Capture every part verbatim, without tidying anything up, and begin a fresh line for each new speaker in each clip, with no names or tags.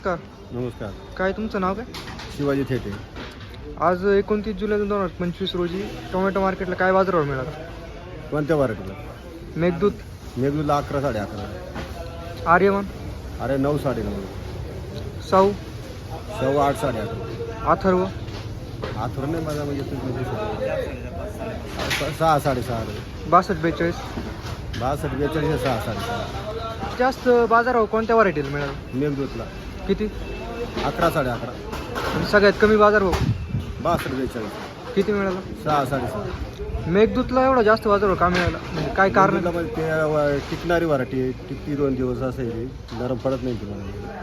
का
नमस्कार.
काय तुमचं नाव काय?
शिवाजी थेटे.
आज एकोणतीस जुलै दोन हजार पंचवीस रोजी टोमॅटो मार्केटला काय बाजारभाव मिळाला?
कोणत्या व्हरायटीला?
मेघदूत,
मेघदूतला अकरा साडे अकरा.
आर्यमान,
अरे नऊ साडे नऊ.
साऊ,
सव्वा आठ साडे अकरा.
अथर्व,
आथर नाही माझा म्हणजे तुम्ही स- सहा साडेसहा.
बासष्ट बेचाळीस.
बासष्ट बेचाळीस सहा साडेसहा.
जास्त बाजारभाव कोणत्या व्हरायटीला मिळाला?
मेघदूतला
किती?
अकरा साडे अकरा.
आणि सगळ्यात कमी बाजारभाव
बासष्ट बेचाळीस
किती मिळाला?
सहा साडेसहा.
मेघदूतला एवढा जास्त बाजारभाव का मिळाला? म्हणजे काय कारण?
मेघदूतला म्हणजे ते व- टिकणारी व्हरायटी आहे. टिकती दोन दिवस असेल, नरम पडत नाही तुम्हाला.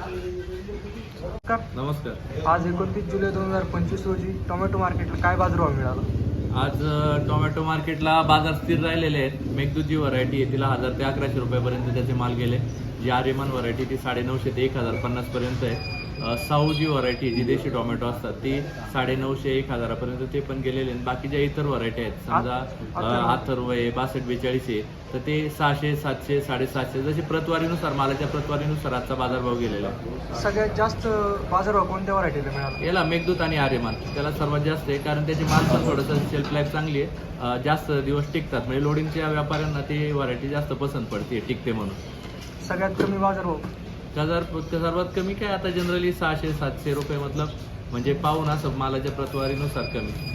नमस्कार.
आज एकोणतीस जुलै दोन हजार पंचवीस रोजी टोमॅटो मार्केटला काय बाजारभाव मिळाला?
आज अ, टोमॅटो मार्केटला बाजार स्थिर राहिलेले आहेत. मेघदूत जी व्हरायटी आहे तिला हजार ते अकराशे रुपयापर्यंत त्याचे माल गेले. जी आर्यमान व्हरायटी ती साडेनऊशे ते एक हजार पन्नासपर्यंत आहे. अ, साऊ जी व्हरायटी जी देशी टोमॅटो असतात ती साडेनऊशे एक हजारापर्यंत ते पण गेलेले आहेत. बाकी ज्या इतर व्हरायटी आहेत समजा अ, अथर्व आहे, बासष्ट बेचाळीस आहे, तर ते सहाशे सातशे साडेसातशे जशी प्रतवारीनुसार मालाच्या प्रतवारीनुसार आजचा बाजारभाव गेलेला आहे.
सगळ्यात जास्त बाजारभाव कोणत्या व्हरायटीला मिळाला?
याला मेघदूत आणि आर्यमान त्याला सर्वात जास्त आहे, कारण त्याची माल पण थोडंसं शेल्फ लाईफ चांगली आहे. अ, जास्त दिवस टिकतात म्हणजे लोडिंगच्या व्यापाऱ्यांना ती व्हरायटी जास्त पसंत पडते, टिकते म्हणून.
सगळ्यात कमी बाजारभाव
हजार सर्वात कमी काय आता जनरली सहाशे सातशे रुपये मतलब म्हणजे पाहून असं मालाच्या प्रतवारीनुसार कमी.